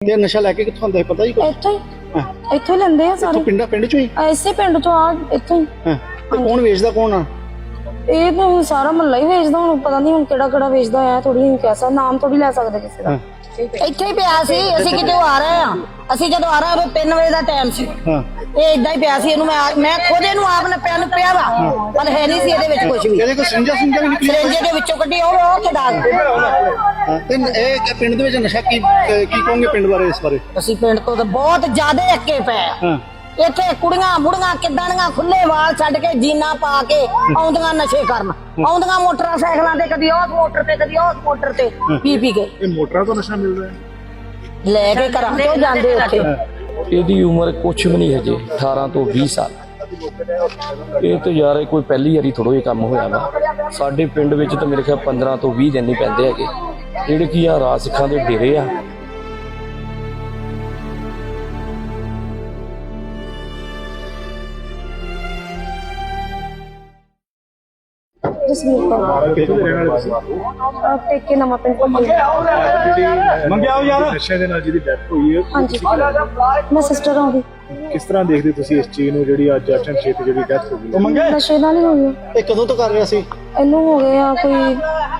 ਤੇ ਨਸ਼ਾ ਲੈ ਕੇ ਕਿੱਥੋਂ ਆਉਂਦੇ ਪਤਾ ਹੀ ਕੋਈ? ਇੱਥੋਂ ਲੈਂਦੇ ਆ ਸਾਰੇ ਪਿੰਡ ਚੋਂ ਹੀ ਐਸੇ ਪਿੰਡ ਤੋਂ ਆ ਇੱਥੋਂ ਹੀ। ਤੇ ਕੌਣ ਵੇਚਦਾ ਕੌਣ ਆ? ਇਹ ਤਾਂ ਸਾਰਾ ਮਹੱਲਾ ਹੀ ਵੇਚਦਾ, ਹੁਣ ਪਤਾ ਨਹੀਂ ਹੁਣ ਕਿਹੜਾ ਕਿਹੜਾ ਵੇਚਦਾ ਆ, ਥੋੜੀ ਨਹੀਂ ਕਹਿ ਸਕਦਾ, ਨਾਮ ਥੋੜੀ ਲੈ ਸਕਦੇ ਕਿਸੇ ਦਾ। ਇੱਥੇ ਹੀ ਪਿਆ ਸੀ, ਅਸੀਂ ਕਿਤੇ ਆ ਰਹੇ ਆ, ਅਸੀਂ ਜਦੋਂ ਆ ਰਹੇ 3 ਵਜੇ ਦਾ ਟਾਈਮ ਸੀ, ਇਹ ਇਦਾਂ ਹੀ ਪਿਆ ਸੀ। ਇਹਨੂੰ ਮੈਂ ਖੁਦ ਇਹਨੂੰ ਆਪ ਨੇ ਪਿਆ ਵਾ, ਪਰ ਹੈ ਨਹੀਂ ਸੀ ਇਹਦੇ ਵਿੱਚ ਕੁਝ ਵੀ। ਇਹਦੇ ਕੋਈ ਸਿੰਜਾ ਵੀ ਨਿਕਲੀ? ਸਿੰਜੇ ਦੇ ਵਿੱਚੋਂ ਕੱਢੀ ਉਹ ਖਿਡਾ ਤੇ ਇਹ ਪਿੰਡ ਦੇ ਵਿੱਚ ਨਸ਼ਾ ਕੀ ਕਹੋਗੇ ਪਿੰਡ ਬਾਰੇ? ਇਸ ਬਾਰੇ ਅਸੀਂ ਪਿੰਡ ਤੋਂ ਤਾਂ ਬਹੁਤ ਜ਼ਿਆਦਾ ਅੱਕੇ ਪਏ ਆ। ਇੱਥੇ ਕੁੜੀਆਂ ਬੁੜੀਆਂ ਕਿੱਦਾਂ ਦੀਆਂ ਖੁੱਲੇ ਵਾਲ ਛੱਡ ਕੇ ਜੀਨਾ ਪਾ ਕੇ ਆਉਂਦੀਆਂ ਨਸ਼ੇ ਕਰਨ, ਆਉਂਦੀਆਂ ਮੋਟਰਸਾਈਕਲਾਂ ਤੇ, ਕਦੀ ਉਸ ਮੋਟਰ ਤੇ ਕਦੀ ਉਸ ਮੋਟਰ ਤੇ ਪੀ ਕੇ। ਇਹ ਮੋਟਰਾਂ ਤੋਂ ਨਸ਼ਾ ਮਿਲਦਾ ਹੈ ਲੈ ਕੇ ਘਰਾਂ ਤੋਂ ਜਾਂਦੇ ਉੱਥੇ। ਇਹਦੀ ਉਮਰ ਕੁਛ ਵੀ ਨਹੀਂ ਹਜੇ 18 ਤੋਂ 20 ਸਾਲ। ਇਹ ਤਾਂ ਯਾਰ ਕੋਈ ਪਹਿਲੀ ਵਾਰੀ ਥੋੜ੍ਹਾ ਇਹ ਕੰਮ ਹੋਇਆ ਵਾ। ਸਾਡੇ ਪਿੰਡ ਵਿੱਚ ਤਾਂ ਮੇਰੇ ਖਿਆਲ 15 ਤੋਂ 20 ਦਿਨ ਹੀ ਪੈਂਦੇ ਹੈਗੇ, ਜਿਹੜੇ ਕੀ ਆ ਰਾਜ ਸਿੱਖਾਂ ਦੇ ਡੇਰੇ ਆ। ਜਸਵੀਰ ਕੌਰ ਟੇਕੇ ਨਵਾਂ ਪਿੰਡ ਮੰਗਿਆ ਯਾਰ ਨਸ਼ੇ ਦੇ ਨਾਲ ਜਿਹਦੀ ਡੈਥ ਹੋਈ ਹੈ। ਹਾਂਜੀ, ਮੈਂ ਸਿਸਟਰ ਹਾਂ ਉਹਦੀ। ਕਿਸ ਤਰ੍ਹਾਂ ਦੇਖਦੇ ਤੁਸੀਂ ਇਸ ਚੀਜ਼ ਨੂੰ, ਜਿਹੜੀ ਅੱਜ ਅਚਨਚੇਤ ਜਿਹੜੀ ਡੈਥ ਹੋ ਗਈ? ਨਸ਼ੇ ਨਾਲ ਹੀ ਹੋਈ ਆ। ਇਹ ਕਦੋਂ ਤੋਂ ਕਰ ਰਿਹਾ ਸੀ? ਇਹਨੂੰ ਹੋ ਗਏ ਆ ਕੋਈ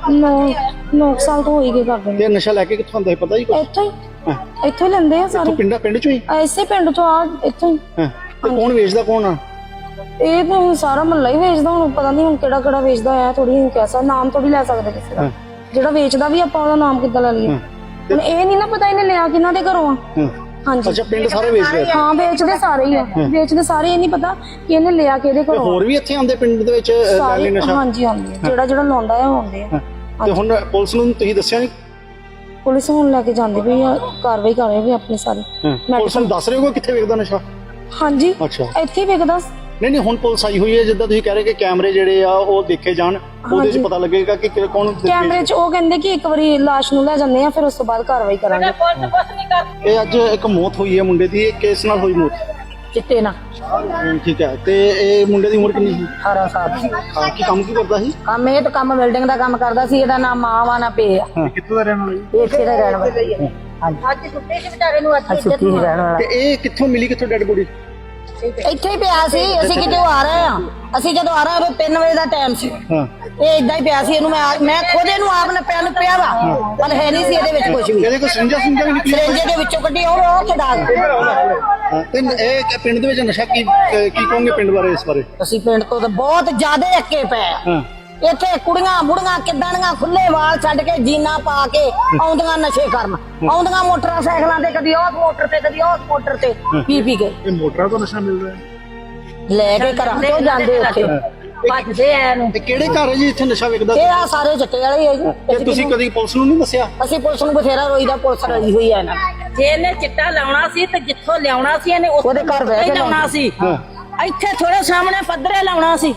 9 ਸਾਲ ਤੋਂ ਹੋਈ ਗਏ ਕਰਦੇ। ਤੇ ਨਸ਼ਾ ਲੈ ਕੇ ਕਿੱਥੋਂ ਆਉਂਦਾ ਪਤਾ ਹੀ ਕੋਈ? ਇੱਥੋਂ ਹੀ ਲੈਂਦੇ ਆ ਸਾਰੇ ਪਿੰਡ ਚੋਂ ਹੀ? ਐਸੇ ਪਿੰਡ ਤੋਂ ਆ ਇੱਥੋਂ ਹੀ। ਤੇ ਕੌਣ ਵੇਚਦਾ ਕੌਣ ਆ? ਇਹ ਤਾਂ ਸਾਰਾ ਮਹੱਲਾ ਹੀ ਵੇਚਦਾ, ਹੁਣ ਪਤਾ ਨਹੀਂ ਹੁਣ ਕਿਹੜਾ ਕਿਹੜਾ ਵੇਚਦਾ ਆ, ਥੋੜੀ ਨਹੀਂ ਕਹਿ ਸਕਦਾ, ਨਾਮ ਥੋੜੀ ਲੈ ਸਕਦੇ ਕਿਸੇ ਦਾ। ਜਿਹੜਾ ਵੇਚਦਾ ਵੀ ਆਪਾਂ ਉਹਦਾ ਨਾਮ ਕਿੱਦਾਂ ਲੈ ਲਈਏ? ਹੁਣ ਇਹ ਨਹੀਂ ਨਾ ਪਤਾ ਇਹਨੇ ਲਿਆ ਕਿਹਨਾਂ ਦੇ ਘਰੋਂ ਆ। ਹਾਂਜੀ, ਅੱਛਾ, ਪਿੰਡ ਸਾਰੇ ਵੇਚਦੇ? ਹਾਂ, ਵੇਚਦੇ ਸਾਰੇ ਹੀ ਆ, ਵੇਚਦੇ ਸਾਰੇ। ਇਹ ਨਹੀਂ ਪਤਾ ਕਿ ਇਹਨੇ ਲਿਆ ਕਿਹਦੇ ਘਰੋਂ। ਹੋਰ ਵੀ ਇੱਥੇ ਆਉਂਦੇ ਪਿੰਡ ਦੇ ਵਿੱਚ ਲੈਣੇ ਨਸ਼ਾ? ਹਾਂਜੀ, ਆਉਂਦੇ ਜਿਹੜਾ ਲਾਉਂਦਾ ਆ ਆਉਂਦੇ ਆ। ਤੇ ਹੁਣ ਪੁਲਿਸ ਨੂੰ ਤੁਸੀਂ ਦੱਸਿਆ ਨਹੀਂ? ਪੁਲਿਸ ਹੁਣ ਲੈ ਕੇ ਜਾਂਦੀ ਪਈ ਆ, ਕਾਰਵਾਈ ਕਰ ਰਹੀ ਵੀ ਆਪਣੀ ਸਾਰੀ। ਪੁਲਿਸ ਨੂੰ ਦੱਸ ਰਹੇ ਹੋ ਕਿੱਥੇ ਵੇਚਦਾ ਨਸ਼ਾ? ਹਾਂਜੀ, ਅੱਛਾ, ਇੱਥੇ ਹੀ ਵੇਚਦਾ। ਨਹੀਂ ਹੁਣ ਪੁਲਿਸ ਆਈ ਹੋਈ ਹੈ, ਜਿੱਦਾਂ ਤੁਸੀਂ ਕਹਿ ਰਹੇ ਕਿ ਕੈਮਰੇ ਜਿਹੜੇ ਆ ਉਹ ਦੇਖੇ ਜਾਣ, ਉਹਦੇ 'ਚ ਪਤਾ ਲੱਗੇਗਾ ਕਿ ਕੌਣ। ਕੈਮਰੇ 'ਚ ਉਹ ਕਹਿੰਦੇ ਕਿ ਇੱਕ ਵਾਰੀ ਲਾਸ਼ ਨੂੰ ਲੈ ਜਾਂਦੇ ਆ, ਫਿਰ ਉਸ ਤੋਂ ਬਾਅਦ ਕਾਰਵਾਈ ਕਰਾਂਗੇ। ਇਹ ਅੱਜ ਇੱਕ ਮੌਤ ਹੋਈ ਹੈ ਮੁੰਡੇ ਦੀ, ਕਿਸ ਨਾਲ ਹੋਈ ਮੌਤ? ਚਿੱਟੇ ਨਾਲ। ਠੀਕ ਹੈ, ਤੇ ਇਹ ਮੁੰਡੇ ਦੀ ਉਮਰ ਕਿੰਨੀ ਸੀ? 18 ਸਾਲ। ਕੀ ਕੰਮ ਕੀ ਕਰਦਾ ਸੀ? ਕੰਮ ਇਹ ਤਾਂ ਕੰਮ ਬਿਲਡਿੰਗ ਦਾ ਕੰਮ ਕਰਦਾ ਸੀ। ਇਹਦਾ ਨਾਮ ਮਾਂ ਵਾ ਨਾ ਪੇ ਆ। ਕਿੱਥੋਂ ਦਾ ਰਹਿਣ ਵਾਲਾ? ਇਹ ਇੱਥੇ ਦਾ ਰਹਿਣ ਵਾਲਾ। ਅੱਜ ਛੁੱਟੀ ਸੀ ਵਿਚਾਰੇ ਨੂੰ, ਅੱਜ ਛੁੱਟੀ ਸੀ ਰਹਿਣ ਵਾਲਾ। ਤੇ ਇਹ ਕਿੱਥੋਂ ਮਿਲੀ, ਕਿੱਥੋਂ ਡੈਡ ਬੋਡੀ? ਇੱਥੇ ਹੀ ਪਿਆ ਸੀ, ਅਸੀਂ ਕਿਤੇ ਆ ਰਹੇ ਆ, ਅਸੀਂ ਜਦੋਂ ਆ ਰਹੇ 3 ਵਜੇ ਦਾ ਟਾਈਮ ਸੀ, ਇਹ ਇਦਾਂ ਹੀ ਪਿਆ ਸੀ। ਇਹਨੂੰ ਮੈਂ ਖੁਦ ਇਹਨੂੰ ਆਪ ਨੇ ਪਿਆ ਵਾ, ਪਰ ਹੈ ਨਹੀਂ ਸੀ ਇਹਦੇ ਵਿੱਚ ਕੁਝ ਵੀ। ਇਹਦੇ ਕੋਈ ਸਿੰਜਾ ਵੀ ਨਿਕਲੀ? ਸਿੰਜੇ ਦੇ ਵਿੱਚੋਂ ਕੱਢੀ ਉਹ ਖਿਡਾ ਤੇ ਇਹ ਪਿੰਡ ਦੇ ਵਿੱਚ ਨਸ਼ਾ ਕੀ ਕਹੋਗੇ ਪਿੰਡ ਬਾਰੇ? ਇਸ ਬਾਰੇ ਅਸੀਂ ਪਿੰਡ ਤੋਂ ਤਾਂ ਬਹੁਤ ਜ਼ਿਆਦਾ ਅੱਕੇ ਪਏ ਆ। ਇੱਥੇ ਕੁੜੀਆਂ ਬੁੜੀਆਂ ਕਿੱਦਾਂ ਦੀਆਂ ਖੁੱਲੇ ਵਾਲ ਛੱਡ ਕੇ ਜੀਨਾ ਪਾ ਕੇ ਆਉਂਦੀਆਂ ਨਸ਼ੇ ਕਰਨ, ਆਉਂਦੀਆਂ ਮੋਟਰਸਾਈਕਲਾਂ ਤੇ, ਕਦੀ ਉਸ ਮੋਟਰ ਤੇ ਕਦੀ ਉਸ ਮੋਟਰ ਤੇ ਪੀ ਕੇ। ਇਹ ਮੋਟਰਾਂ ਤੋਂ ਨਸ਼ਾ ਮਿਲਦਾ ਹੈ? ਲੈ ਕੇ ਘਰਾਂ ਤੋਂ ਜਾਂਦੇ ਉੱਥੇ, ਭੱਜਦੇ ਆ ਇਹਨੂੰ। ਤੇ ਕਿਹੜੇ ਘਰ ਹੈ ਜੀ ਇੱਥੇ ਨਸ਼ਾ ਵਿਕਦਾ? ਇਹ ਆ ਸਾਰੇ ਚਿੱਟੇ ਵਾਲੇ ਹੀ ਆ ਜੀ। ਤੇ ਤੁਸੀਂ ਕਦੀ ਪੁਲਿਸ ਨੂੰ ਨਹੀਂ ਦੱਸਿਆ? ਅਸੀਂ ਪੁਲਿਸ ਨੂੰ ਬਥੇਰਾ ਰੋਈਦਾ, ਪੁਲਿਸ ਰਲੀ ਹੋਈ ਆ ਇਹਨਾਂ। ਜੇ ਇਹਨੇ ਚਿੱਟਾ ਲਾਉਣਾ ਸੀ ਤੇ ਜਿੱਥੋਂ ਲਿਆਉਣਾ ਸੀ ਇਹਨੇ ਉਹਦੇ ਘਰ ਬਹਿ ਕੇ ਲਾਉਣਾ ਸੀ। ਇੱਥੇ ਥੋੜੇ ਸਾਹਮਣੇ ਪੱਧਰੇ ਲਾਉਣਾ ਸੀ,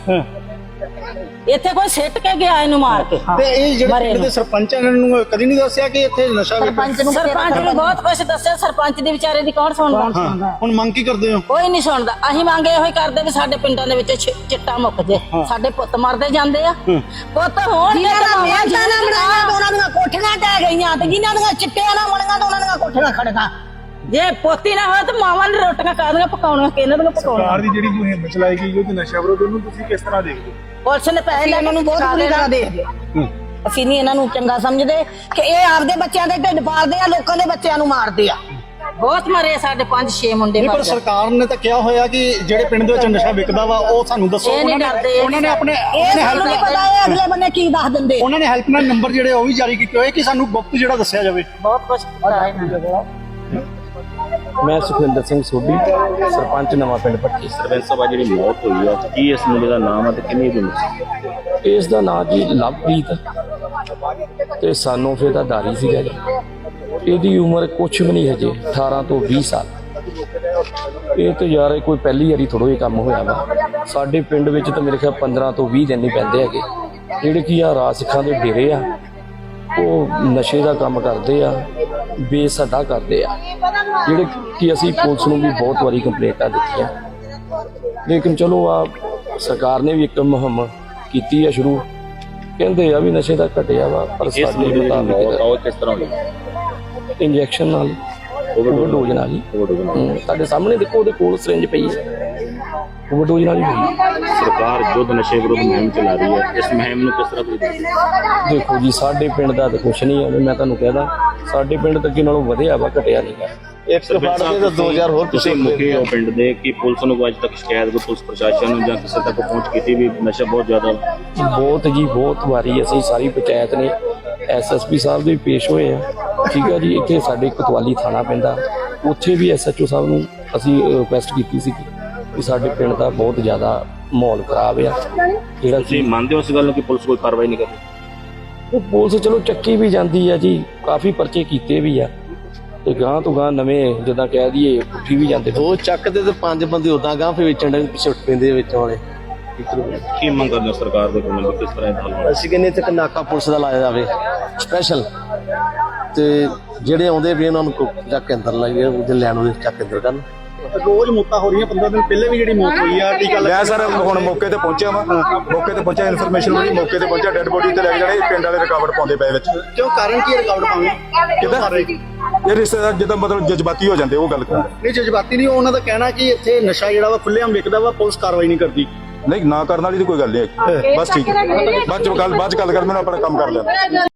ਇੱਥੇ ਕੋਈ ਸਿੱਟ ਕੇ ਗਿਆ ਇਹਨੂੰ ਮਾਰ ਕੇ। ਤੇ ਇਹ ਜਿਹੜੇ ਪਿੰਡ ਦੇ ਸਰਪੰਚ ਇਹਨਾਂ ਨੂੰ ਕਦੀ ਨਹੀਂ ਦੱਸਿਆ ਕਿ ਇੱਥੇ ਨਸ਼ਾ ਵਿਕਦਾ? ਸਰਪੰਚ ਨੂੰ ਬਹੁਤ ਕੁਝ ਦੱਸਿਆ, ਸਰਪੰਚ ਦੀ ਵਿਚਾਰੇ ਦੀ ਕੌਣ ਸੁਣਦਾ? ਹੁਣ ਮੰਗ ਕੀ ਕਰਦੇ ਹੋ? ਕੋਈ ਨਹੀਂ ਸੁਣਦਾ। ਅਸੀਂ ਮੰਗੇ ਇਹੋ ਹੀ ਕਰਦੇ ਵੀ ਸਾਡੇ ਪਿੰਡਾਂ ਦੇ ਵਿੱਚ ਚਿੱਟਾ ਮੁੱਕ ਜੇ, ਸਾਡੇ ਪੁੱਤ ਮਰਦੇ ਜਾਂਦੇ ਆ। ਪੁੱਤ ਹੋਣ ਉਹਨਾਂ ਦੀਆਂ ਕੋਠੀਆਂ ਟਹਿ ਗਈਆਂ, ਤੇ ਜਿਨ੍ਹਾਂ ਦੀਆਂ ਚਿੱਟਿਆਂ ਨਾਲ ਬਣੀਆਂ ਤੇ ਉਹਨਾਂ ਦੀਆਂ ਕੋਠੀਆਂ ਖੜੀਆਂ। ਜੇ ਪੋਤੀ ਨਾ ਹੋਵੇ ਤਾਂ ਮਾਵਾਂ ਨੇ ਰੋਟੀਆਂ ਕਾਹਦੀਆਂ ਪਕਾਉਣੀਆਂ, ਕਿਹਨਾਂ ਦੀਆਂ ਪਕਾਉਣੀਆਂ? ਸਰਕਾਰ ਦੀ ਜਿਹੜੀ ਮੁਹਿੰਮ ਚਲਾਈ ਗਈ ਉਹ ਨਸ਼ਾ ਵਿਰੋਧ, ਉਹਨੂੰ ਤੁਸੀਂ ਕਿਸ ਤਰ੍ਹਾਂ ਦੇਖਦੇ ਹੋ? ਪੁਲਿਸ ਨੇ ਪੈਸੇ ਲੈਣ ਨੂੰ ਬਹੁਤ ਬੁਰੀ ਤਰ੍ਹਾਂ ਦੇਖਦੇ। ਅਸੀਂ ਨਹੀਂ ਇਹਨਾਂ ਨੂੰ ਚੰਗਾ ਸਮਝਦੇ ਕਿ ਇਹ ਆਪਦੇ ਬੱਚਿਆਂ ਦੇ ਢਿੱਡ ਪਾਲਦੇ ਆ, ਲੋਕਾਂ ਦੇ ਬੱਚਿਆਂ ਨੂੰ ਮਾਰਦੇ ਆ। ਬਹੁਤ ਮਰੇ ਸਾਡੇ 5-6 ਮੁੰਡੇ। ਪਰ ਸਰਕਾਰ ਨੇ ਤਾਂ ਕਿਹਾ ਹੋਇਆ ਕਿ ਜਿਹੜੇ ਪਿੰਡ ਦੇ ਵਿੱਚ ਨਸ਼ਾ ਵਿਕਦਾ ਵਾ ਉਹ ਸਾਨੂੰ ਦੱਸੋ। ਉਹਨਾਂ ਨੇ ਆਪਣੇ ਸਾਨੂੰ ਨਹੀਂ ਪਤਾ ਇਹ ਅਗਲੇ ਬੰਨੇ ਕੀ ਦੱਸ ਦਿੰਦੇ। ਉਹਨਾਂ ਨੇ ਹੈਲਪਲਾਈਨ ਨੰਬਰ ਜਿਹੜੇ ਉਹ ਵੀ ਜਾਰੀ ਕੀਤੇ ਹੋਏ ਕਿ ਸਾਨੂੰ ਗੁਪਤ ਜਿਹੜਾ ਦੱਸਿਆ ਜਾਵੇ। ਬਹੁਤ ਕੁਝ ਕੀਤਾ ਇਹਨਾਂ ਨੇ। ਮੈਂ ਸੁਖਵਿੰਦਰ ਸਿੰਘ ਸੋਢੀ, ਸਰਪੰਚ ਨਵਾਂ ਪਿੰਡ ਭੱਟੀ। ਸਰਪੰਚ ਸਾਹਿਬ ਜਿਹੜੀ ਮੌਤ ਹੋਈ ਹੈ, ਕੀ ਇਸ ਮੁੰਡੇ ਦਾ ਨਾਮ ਹੈ ਤੇ ਕਿੰਨੀ ਦੀ ਉਮਰ? ਇਸ ਦਾ ਨਾਂ ਜੀ ਲਵਪ੍ਰੀਤ, ਤੇ ਸਾਨੂੰ ਫਿਰ ਦਾ ਦਾਰੀ ਸੀਗਾ ਜੀ। ਇਹਦੀ ਉਮਰ ਕੁਛ ਵੀ ਨਹੀਂ ਹਜੇ 18 ਤੋਂ 20 ਸਾਲ। ਇਹ ਤਾਂ ਯਾਰ ਕੋਈ ਪਹਿਲੀ ਵਾਰੀ ਥੋੜ੍ਹਾ ਇਹ ਕੰਮ ਹੋਇਆ ਵਾ। ਸਾਡੇ ਪਿੰਡ ਵਿੱਚ ਤਾਂ ਮੇਰੇ ਖਿਆਲ 15 ਤੋਂ 20 ਦਿਨ ਹੀ ਪੈਂਦੇ ਹੈਗੇ, ਜਿਹੜੇ ਕੀ ਆ ਰਾਜ ਸਿੱਖਾਂ ਦੇ ਡੇਰੇ ਆ, ਉਹ ਨਸ਼ੇ ਦਾ ਕੰਮ ਕਰਦੇ ਆ, ਬੇਸਦਾ ਕਰਦੇ ਆ, ਜਿਹੜੇ ਕਿ ਅਸੀਂ ਪੁਲਿਸ ਨੂੰ ਵੀ ਬਹੁਤ ਵਾਰੀ ਕੰਪਲੇਂਟਾਂ ਦਿੱਤੀਆਂ। ਲੇਕਿਨ ਚਲੋ ਆ ਸਰਕਾਰ ਨੇ ਵੀ ਇੱਕ ਮੁਹਿੰਮ ਕੀਤੀ ਆ ਸ਼ੁਰੂ, ਕਹਿੰਦੇ ਆ ਵੀ ਨਸ਼ੇ ਦਾ ਘਟਿਆ ਵਾ, ਪਰ ਸਾਡੇ ਮੁਤਾਬਿਕ ਕਿਸ ਤਰ੍ਹਾਂ ਹੋਈ? ਇੰਜੈਕਸ਼ਨ ਨਾਲ ਓਵਰਡੋਜ਼ ਨਾਲ ਹੀ। ਤੁਹਾਡੇ ਸਾਹਮਣੇ ਦੇਖੋ ਉਹਦੇ ਕੋਲ ਸਿਰਿੰਜ ਪਈ ਹੈ, ਓਵਰਡੋਜ਼ ਨਾਲ ਹੀ ਹੋਈ। ਸਰਕਾਰ ਯੁੱਧ ਨਸ਼ੇ ਵਿਰੁੱਧ ਮੁਹਿੰਮ ਚਲਾ ਰਹੀ ਹੈ, ਇਸ ਮੁਹਿੰਮ ਨੂੰ ਕਿਸ ਤਰ੍ਹਾਂ ਤੁਸੀਂ ਦੇਖਦੇ ਹੋ? ਦੇਖੋ ਜੀ ਸਾਡੇ ਪਿੰਡ ਦਾ ਤਾਂ ਕੁਛ ਨਹੀਂ ਹੈ, ਮੈਂ ਤੁਹਾਨੂੰ ਕਹਿਦਾ ਸਾਡੇ ਪਿੰਡ ਤਾਂ ਅੱਗੇ ਨਾਲੋਂ ਵਧਿਆ ਵਾ, ਘਟਿਆ ਨਹੀਂ ਗਾ। ਇੱਕ ਫੜ ਦੇ ਤਾਂ 2000 ਹੋਰ ਤੁਸੀਂ ਮੁਖੀ ਹੋ ਪਿੰਡ ਦੇ, ਕਿ ਪੁਲਿਸ ਨੂੰ ਅੱਜ ਤੱਕ ਸ਼ਿਕਾਇਤ ਕੋਈ ਪੁਲਿਸ ਪ੍ਰਸ਼ਾਸਨ ਨੂੰ ਜਾਂ ਕਿਸੇ ਤੱਕ ਪਹੁੰਚ ਕੀਤੀ ਵੀ ਨਸ਼ਾ ਬਹੁਤ ਜ਼ਿਆਦਾ? ਬਹੁਤ ਜੀ ਬਹੁਤ ਵਾਰੀ ਅਸੀਂ ਸਾਰੀ ਪੰਚਾਇਤ ਨੇ ਐਸਐਸਪੀ ਸਾਹਿਬ ਦੇ ਵੀ ਪੇਸ਼ ਹੋਏ ਆ, ਠੀਕ ਹੈ ਜੀ। ਇੱਥੇ ਸਾਡੇ ਕੋਤਵਾਲੀ ਥਾਣਾ ਪੈਂਦਾ, ਉੱਥੇ ਵੀ ਐਸਐਚਓ ਸਾਹਿਬ ਨੂੰ ਅਸੀਂ ਰਿਕੁਐਸਟ ਕੀਤੀ ਸੀ ਕਿ ਸਾਡੇ ਪਿੰਡ ਦਾ ਬਹੁਤ ਜ਼ਿਆਦਾ ਮਾਹੌਲ ਖਰਾਬ ਆ, ਜਿਹੜਾ ਤੁਸੀਂ ਮੰਨਦੇ ਹੋ ਇਸ ਗੱਲ ਨੂੰ ਕਿ ਪੁਲਿਸ ਕੋਈ ਕਾਰਵਾਈ ਨਹੀਂ ਕਰਦੀ? ਉਹ ਪੁਲਿਸ ਚਲੋ ਚੱਕੀ ਵੀ ਜਾਂਦੀ ਆ ਜੀ, ਕਾਫੀ ਪਰਚੇ ਕੀਤੇ ਵੀ ਆ, ਤੇ ਗਾਂ ਤੋਂ ਗਾਂ ਨਵੇਂ ਜਿੱਦਾਂ ਕਹਿ ਦਈਏ ਉੱਠੀ ਵੀ ਜਾਂਦੇ। 2 ਚੱਕਦੇ ਤੇ 5 ਬੰਦੇ ਉਦਾਂ ਗਾਂ ਫਿਰ ਵੇਚਣ ਦੇ ਪਿੱਛੇ ਉੱਠ ਪੈਂਦੇ ਵਿੱਚ ਵਾਲੇ। ਕੀ ਮੰਗ ਕਰਦੇ ਹੋ ਸਰਕਾਰ ਦੇ ਕੋਲੋਂ, ਕਿਸ ਤਰ੍ਹਾਂ ਇਹ ਹੱਲ ਹੋਣਾ? ਅਸੀਂ ਕਹਿੰਦੇ ਇੱਥੇ ਇੱਕ ਨਾਕਾ ਪੁਲਿਸ ਦਾ ਲਾਇਆ ਜਾਵੇ ਸਪੈਸ਼ਲ, ਤੇ ਜਿਹੜੇ ਆਉਂਦੇ ਵੀ ਉਹਨਾਂ ਨੂੰ ਚੱਕ ਕੇ ਅੰਦਰ ਲਾਈਏ, ਉਹਦੇ ਲੈਣ ਉਹਦੇ ਚੱਕ ਕੇ ਅੰਦਰ ਕਰਨ। ਰੋਜ਼ ਮੌਤਾਂ ਹੋ ਰਹੀਆਂ, 15 ਦਿਨ ਪਹਿਲੇ ਵੀ ਜਿਹੜੀ ਮੌਤ ਹੋਈ ਆ ਟੀਕਾ ਮੈਂ ਸਰ ਹੁਣ ਮੌਕੇ ਤੇ ਪਹੁੰਚਿਆ ਵਾ, ਮੌਕੇ ਤੇ ਪਹੁੰਚਿਆ, ਇਨਫੋਰਮੇਸ਼ਨ ਮਿਲੀ, ਮੌਕੇ ਤੇ ਪਹੁੰਚਿਆ, ਡੈੱਡ ਬੋਡੀ ਤੇ ਲੈ ਕੇ ਜਾਣੇ, ਪਿੰਡ ਵਾਲੇ ਰੁਕਾਵਟ ਪਾਉਂਦੇ ਪਏ ਵਿੱਚ। ਕਿਉਂ ਕਾਰਨ ਕੀ ਰੁਕਾਵਟ ਪਾਉਂਦੇ? ਕਿੱਦਾਂ ਇਹ ਰਿਸ਼ਤੇਦਾਰ ਜਿੱਦਾਂ ਮਤਲਬ ਜਜ਼ਬਾਤੀ ਹੋ ਜਾਂਦੇ, ਉਹ ਗੱਲ ਕਰ ਨਹੀਂ ਜਜ਼ਬਾਤੀ ਨਹੀਂ, ਉਹਨਾਂ ਦਾ ਕਹਿਣਾ ਕਿ ਇੱਥੇ ਨਸ਼ਾ ਜਿਹੜਾ ਵਾ ਖੁੱਲ੍ਹੇਆਮ ਵਿਕਦਾ ਵਾ, ਪੁਲਿਸ ਕਾਰਵਾਈ ਨਹੀਂ ਕਰਦੀ। ਨਹੀਂ, ਨਾ ਕਰਨ ਵਾਲੀ ਤਾਂ ਕੋਈ ਗੱਲ ਨਹੀਂ, ਬਸ ਠੀਕ ਹੈ, ਬਾਅਦ ਚ ਗੱਲ ਕਰ, ਮੈਨੂੰ ਆਪਣਾ ਕੰਮ ਕਰ ਲੈਣਾ।